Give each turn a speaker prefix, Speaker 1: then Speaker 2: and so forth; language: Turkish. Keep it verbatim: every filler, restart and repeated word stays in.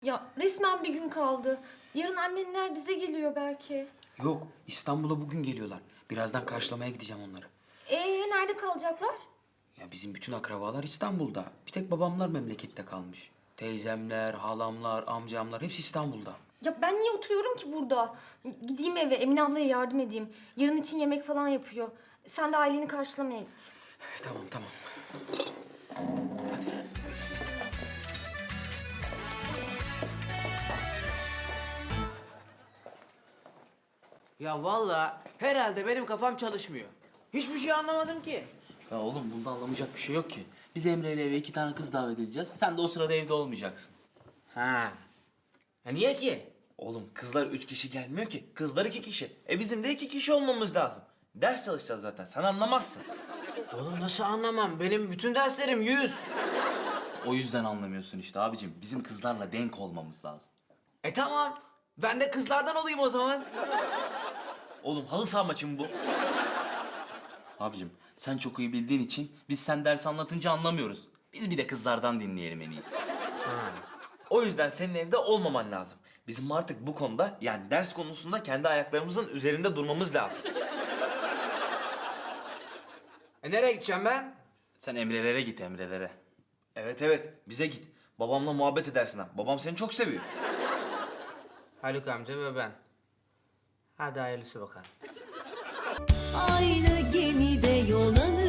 Speaker 1: Ya resmen bir gün kaldı. Yarın annenler bize geliyor belki.
Speaker 2: Yok, İstanbul'a bugün geliyorlar. Birazdan karşılamaya gideceğim onları.
Speaker 1: Ee nerede kalacaklar?
Speaker 2: Ya bizim bütün akrabalar İstanbul'da. Bir tek babamlar memlekette kalmış. Teyzemler, halamlar, amcamlar hepsi İstanbul'da.
Speaker 1: Ya ben niye oturuyorum ki burada? Gideyim eve Emine ablaya yardım edeyim. Yarın için yemek falan yapıyor. Sen de aileni karşılamaya git.
Speaker 2: Tamam, tamam.
Speaker 3: Ya vallahi herhalde benim kafam çalışmıyor. Hiçbir şey anlamadım ki.
Speaker 4: Ya oğlum bunda anlamayacak bir şey yok ki. Biz Emre ile eve iki tane kız davet edeceğiz. Sen de o sırada evde olmayacaksın.
Speaker 3: Ha. Ya niye ki?
Speaker 5: Oğlum kızlar üç kişi gelmiyor ki. Kızlar iki kişi. E bizim de iki kişi olmamız lazım. Ders çalışacağız zaten. Sen anlamazsın.
Speaker 3: Oğlum nasıl anlamam? Benim bütün derslerim yüz.
Speaker 4: O yüzden anlamıyorsun işte abicim. Bizim kızlarla denk olmamız lazım.
Speaker 3: E tamam. Ben de kızlardan olayım o zaman.
Speaker 5: Oğlum halı saha maçı mı bu?
Speaker 4: Abicim sen çok iyi bildiğin için biz sen ders anlatınca anlamıyoruz. Biz bir de kızlardan dinleyelim en iyisi.
Speaker 5: O yüzden senin evde olmaman lazım. Bizim artık bu konuda yani ders konusunda kendi ayaklarımızın üzerinde durmamız lazım.
Speaker 3: E nereye gideceğim ben?
Speaker 4: Sen Emre'lere git Emre'lere.
Speaker 5: Evet evet bize git. Babamla muhabbet edersin ha. Babam seni çok seviyor.
Speaker 3: Haluk amca ve ben. Hadi hayırlısı bakalım.
Speaker 6: Aynı gemide yol alır.